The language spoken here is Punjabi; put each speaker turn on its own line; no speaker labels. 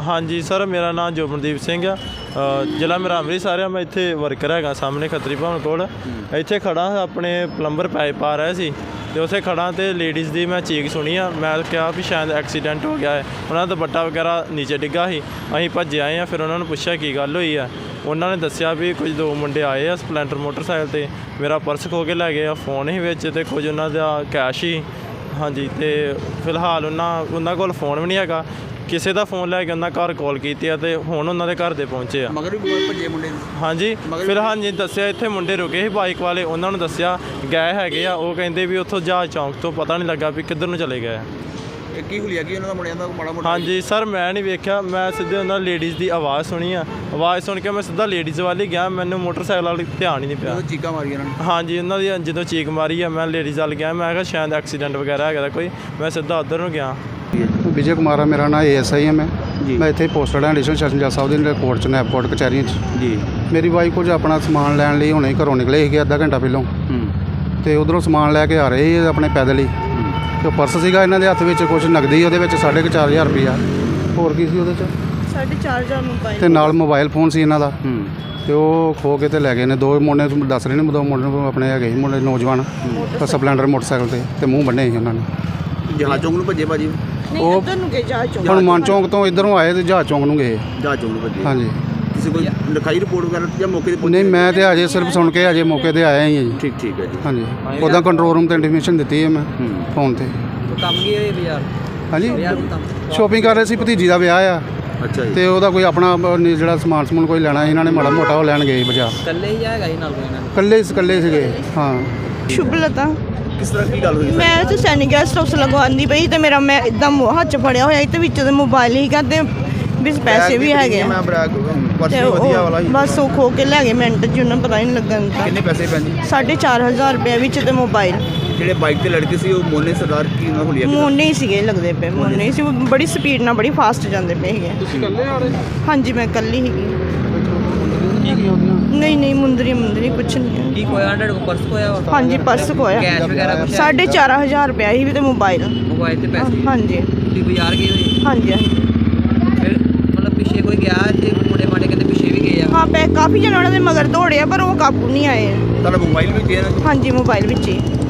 ਹਾਂਜੀ ਸਰ, ਮੇਰਾ ਨਾਮ ਜੋਬਨਦੀਪ ਸਿੰਘ ਆ। ਜ਼ਿਲ੍ਹਾ ਮੇਰਾ ਅੰਮ੍ਰਿਤਸਰ ਆ। ਮੈਂ ਇੱਥੇ ਵਰਕਰ ਹੈਗਾ ਸਾਹਮਣੇ ਖੱਤਰੀ ਭਵਨ ਕੋਲ। ਇੱਥੇ ਖੜਾ ਆਪਣੇ ਪਲੰਬਰ ਪਾਈਪ ਪਾ ਰਿਹਾ ਸੀ ਅਤੇ ਉੱਥੇ ਖੜਾ ਅਤੇ ਲੇਡੀਜ਼ ਦੀ ਮੈਂ ਚੀਕ ਸੁਣੀ ਆ। ਮੈਂ ਕਿਹਾ ਵੀ ਸ਼ਾਇਦ ਐਕਸੀਡੈਂਟ ਹੋ ਗਿਆ ਹੈ। ਉਹਨਾਂ ਦਾ ਦੁਪੱਟਾ ਵਗੈਰਾ ਨੀਚੇ ਡਿੱਗਾ ਸੀ। ਅਸੀਂ ਭੱਜੇ ਆਏ ਹਾਂ। ਫਿਰ ਉਹਨਾਂ ਨੂੰ ਪੁੱਛਿਆ ਕੀ ਗੱਲ ਹੋਈ ਆ। ਉਹਨਾਂ ਨੇ ਦੱਸਿਆ ਵੀ ਕੁਝ 2 ਮੁੰਡੇ ਆਏ ਆ ਸਪਲੈਂਡਰ ਮੋਟਰਸਾਈਕਲ 'ਤੇ, ਮੇਰਾ ਪਰਸ ਖੋਹ ਕੇ ਲੈ ਗਏ ਆ, ਫੋਨ ਸੀ ਵਿੱਚ ਅਤੇ ਕੁਝ ਉਹਨਾਂ ਦਾ ਕੈਸ਼ ਸੀ। ਹਾਂਜੀ, ਅਤੇ ਫਿਲਹਾਲ ਉਹਨਾਂ ਕੋਲ ਫੋਨ ਵੀ ਨਹੀਂ ਹੈਗਾ। ਕਿਸੇ ਦਾ ਫੋਨ ਲੈ ਕੇ ਉਹਨਾਂ ਘਰ ਕਾਲ ਕੀਤੀ ਆ ਅਤੇ ਹੁਣ ਉਹਨਾਂ ਦੇ ਘਰ ਦੇ ਪਹੁੰਚੇ ਆ।
ਮਗਰ ਵੀ ਭੱਜੇ ਮੁੰਡੇ
ਹਾਂਜੀ, ਫਿਲਹਾਲ ਜੀ ਦੱਸਿਆ ਇੱਥੇ ਮੁੰਡੇ ਰੁਕੇ ਸੀ ਬਾਈਕ ਵਾਲੇ, ਉਹਨਾਂ ਨੂੰ ਦੱਸਿਆ ਗਏ ਹੈਗੇ ਆ। ਉਹ ਕਹਿੰਦੇ ਵੀ ਉੱਥੋਂ ਜਹਾਜ਼ ਚੌਂਕ ਤੋਂ ਪਤਾ ਨਹੀਂ ਲੱਗਾ ਵੀ ਕਿੱਧਰ ਨੂੰ ਚਲੇ ਗਏ ਆ।
ਇਹ ਕੀ ਹੁਲੀਆ ਕੀ ਉਹਨਾਂ ਦਾ ਮੁੰਡਿਆਂ ਦਾ ਮਾੜਾ ਮੋਟਾ?
ਹਾਂਜੀ ਸਰ, ਮੈਂ ਨਹੀਂ ਵੇਖਿਆ। ਮੈਂ ਸਿੱਧੇ ਉਹਨਾਂ ਲੇਡੀਜ਼ ਦੀ ਆਵਾਜ਼ ਸੁਣੀ ਆ। ਆਵਾਜ਼ ਸੁਣ ਕੇ ਮੈਂ ਸਿੱਧਾ ਲੇਡੀਜ਼ ਵੱਲ ਹੀ ਗਿਆ। ਮੈਨੂੰ ਮੋਟਰਸਾਈਕਲ ਵਾਲੀ ਧਿਆਨ ਹੀ ਨਹੀਂ ਪਿਆ।
ਚੀਕਾਂ ਮਾਰੀਆਂ ਉਹਨਾਂ ਨੇ?
ਹਾਂਜੀ, ਉਹਨਾਂ ਦੀ ਜਦੋਂ ਚੀਕ ਮਾਰੀ ਆ ਮੈਂ ਲੇਡੀਜ਼ ਵੱਲ ਗਿਆ। ਮੈਂ ਕਿਹਾ ਸ਼ਾਇਦ ਐਕਸੀਡੈਂਟ ਵਗੈਰਾ ਹੈਗਾ ਕੋਈ। ਮੈਂ ਸਿੱਧਾ ਉੱਧਰ ਨੂੰ ਗਿਆ।
ਵਿਜੇ ਕੁਮਾਰ ਆ ਮੇਰਾ ਨਾਮ, ASI ਹਾਂ ਮੈਂ ਇੱਥੇ ਪੋਸਟਡ ਹਾਂ ਐਡੀਸ਼ਨਲ ਸੈਸ਼ਨ ਜੱਜ ਸਾਹਿਬ ਦੇ ਕੋਰਟ 'ਚ ਨੈਪਕੋਟ ਕਚਹਿਰੀਆਂ 'ਚ ਜੀ। ਮੇਰੀ ਵਾਈਫ ਕੁਝ ਆਪਣਾ ਸਮਾਨ ਲੈਣ ਲਈ ਹੁਣੇ ਘਰੋਂ ਨਿਕਲੇ ਸੀਗੇ ਅੱਧਾ ਘੰਟਾ ਪਹਿਲਾਂ, ਅਤੇ ਉੱਧਰੋਂ ਸਮਾਨ ਲੈ ਕੇ ਆ ਰਹੇ ਸੀ ਆਪਣੇ ਪੈਦਲ ਹੀ। ਅਤੇ ਉਹ ਪਰਸ ਸੀਗਾ ਇਹਨਾਂ ਦੇ ਹੱਥ ਵਿੱਚ, ਕੁਝ ਨਕਦੀ ਉਹਦੇ ਵਿੱਚ 4,500 ਰੁਪਈਆ, ਹੋਰ ਕੀ ਸੀ ਉਹਦੇ 'ਚ
4,500 ਮੋਬਾਈਲ,
ਅਤੇ ਨਾਲ ਮੋਬਾਈਲ ਫੋਨ ਸੀ ਇਹਨਾਂ ਦਾ। ਅਤੇ ਉਹ ਖੋ ਕੇ ਤੇ ਲੈ ਗਏ ਨੇ। 2 ਮੁੰਡੇ ਦੱਸ ਰਹੇ ਨੇ, 2 ਮੁੰਡੇ ਆਪਣੇ ਹੈਗੇ ਸੀ ਮੁੰਡੇ ਨੌਜਵਾਨ ਸਪਲੈਂਡਰ ਮੋਟਰਸਾਈਕਲ 'ਤੇ, ਅਤੇ ਮੂੰਹ ਬੰਨੇ ਸੀ ਉਹਨਾਂ ਨੇ।
ਜਹਾਜ਼ ਚੌਂਕ ਨੂੰ ਭੱਜੇ ਭਾਜੀ?
ਉਹ ਇੱਧਰ ਨੂੰ ਗਏ ਜਹਾਜ਼ ਚੌਂਕ।
ਹਨੂੰਮਾਨ ਚੌਂਕ ਤੋਂ ਇੱਧਰੋਂ ਆਏ ਅਤੇ ਜਹਾਜ਼ ਚੌਂਕ ਨੂੰ ਗਏ।
ਜਹਾਜ਼ ਚੌਂਕ ਨੂੰ ਭੱਜੇ?
ਹਾਂਜੀ।
ਕਿਸੇ ਕੋਈ ਲਿਖਾਈ ਰਿਪੋਰਟ ਵਗੈਰਾ ਜਾਂ ਮੌਕੇ 'ਤੇ?
ਨਹੀਂ, ਮੈਂ ਤਾਂ ਅਜੇ ਸਿਰਫ ਸੁਣ ਕੇ ਅਜੇ ਮੌਕੇ 'ਤੇ ਆਇਆ ਹੀ ਹਾਂ ਜੀ।
ਠੀਕ ਹੈ ਜੀ।
ਹਾਂਜੀ, ਉੱਦਾਂ ਕੰਟਰੋਲ ਰੂਮ 'ਤੇ ਇੰਟੀਮੇਸ਼ਨ ਦਿੱਤੀ ਹੈ ਮੈਂ ਫੋਨ 'ਤੇ।
ਕੰਮ ਕੀ ਹੋਏ ਬਾਜ਼ਾਰ?
ਹਾਂਜੀ, ਸ਼ੋਪਿੰਗ ਕਰ ਰਹੇ ਸੀ, ਭਤੀਜੀ ਦਾ ਵਿਆਹ ਆ।
ਅੱਛਾ ਜੀ।
ਅਤੇ ਉਹਦਾ ਕੋਈ ਆਪਣਾ ਜਿਹੜਾ ਸਮਾਨ ਸਮੂਨ ਕੋਈ ਲੈਣਾ, ਇਹਨਾਂ ਨੇ ਮਾੜਾ ਮੋਟਾ ਉਹ ਲੈਣ ਗਏ ਬਾਜ਼ਾਰ।
ਇਕੱਲੇ ਹੀ ਹੈਗਾ ਸੀ ਨਾਲ ਕੋਈ ਨਾ?
ਇਕੱਲੇ ਸੀਗੇ। ਹਾਂ।
ਸ਼ੁਭਲਤਾ।
ਕਿਸ ਤਰ੍ਹਾਂ ਕੀ ਗੱਲ ਹੋਈ?
ਮੈਂ ਤਾਂ ਸੈਨਿਕ ਗੈਸਟ ਹਾਊਸ ਲਗਵਾਉਂਦੀ ਪਈ ਅਤੇ ਮੇਰਾ ਮੈਂ ਇੱਦਾਂ ਹੱਥ 'ਚ ਫੜਿਆ ਹੋਇਆ ਅਤੇ ਵਿੱਚ ਦੇ ਮੋਬਾਈਲ ਹੀ ਕਰਦੇ ਵੀ ਪੈਸੇ ਵੀ ਹੈਗੇ
ਮੈਂ ਪਰਸ
ਅਤੇ
ਵਧੀਆ ਵਾਲਾ
ਉਹ
ਹੀ
ਬਸ ਉਹ ਖੋ ਕੇ ਲੈ ਗਏ ਮਿੰਟ 'ਚ, ਉਹਨਾਂ ਪਤਾ ਹੀ ਨਹੀਂ ਲੱਗਣ ਦਿੱਤਾ।
ਕਿੰਨੇ ਪੈਸੇ ਭੈਣ ਜੀ?
4,500 ਰੁਪਏ ਵਿੱਚ ਤੇ ਮੋਬਾਈਲ।
ਜਿਹੜੇ ਬਾਈਕ ਤੇ ਲੜਕੇ ਸੀ ਉਹ ਮੋਨੇ ਸਰਦਾਰ ਕੀ ਉਹਨਾਂ ਹੁਲੀਆ?
ਮੋਨੇ ਹੀ ਸੀਗੇ ਲੱਗਦੇ ਪਏ, ਮੋਨੇ ਹੀ ਸੀ। ਉਹ ਬੜੀ ਸਪੀਡ ਨਾਲ ਬੜੀ ਫਾਸਟ ਜਾਂਦੇ ਪਏ ਸੀਗੇ।
ਤੁਸੀਂ ਇਕੱਲੇ ਆ ਰਹੇ?
ਹਾਂਜੀ, ਮੈਂ ਇਕੱਲੀ ਸੀਗੀ। ਨਹੀਂ ਮੁੰਦਰੀ ਕੁਛ ਨਹੀਂ ਹੈ।
ਕੀ ਕੋਇਆ? 100 ਪਰਸ ਕੋਇਆ?
ਹਾਂਜੀ, ਪਰਸ ਖੋਇਆ।
ਕੈਸ਼ ਵਗੈਰਾ ਕੁਛ?
4,500 ਰੁਪਏ ਸੀ ਵੀ ਤੇ ਮੋਬਾਈਲ।
ਮੋਬਾਈਲ ਤੇ ਪੈਸੇ?
ਹਾਂਜੀ
ਤੁਸੀਂ ਬਾਜ਼ਾਰ ਗਏ ਹੋਏ?
ਹਾਂਜੀ।
ਫਿਰ ਮਤਲਬ ਪਿੱਛੇ ਕੋਈ ਗਿਆ ਤੇ ਮੁੰਡੇ ਮਾਡੇ ਕਹਿੰਦੇ ਪਿੱਛੇ ਵੀ ਗਏ ਆ?
ਹਾਂ, ਕਾਫੀ ਜਣੇ ਉਹਨਾਂ ਦੇ ਮਗਰ ਦੌੜੇ ਆ ਪਰ ਉਹ ਕਾਬੂ ਨਹੀਂ ਆਏ।
ਤੁਹਾਡਾ ਮੋਬਾਈਲ ਵੀ ਗਿਆ?
ਹਾਂਜੀ, ਮੋਬਾਈਲ ਵਿੱਚ ਹੀ।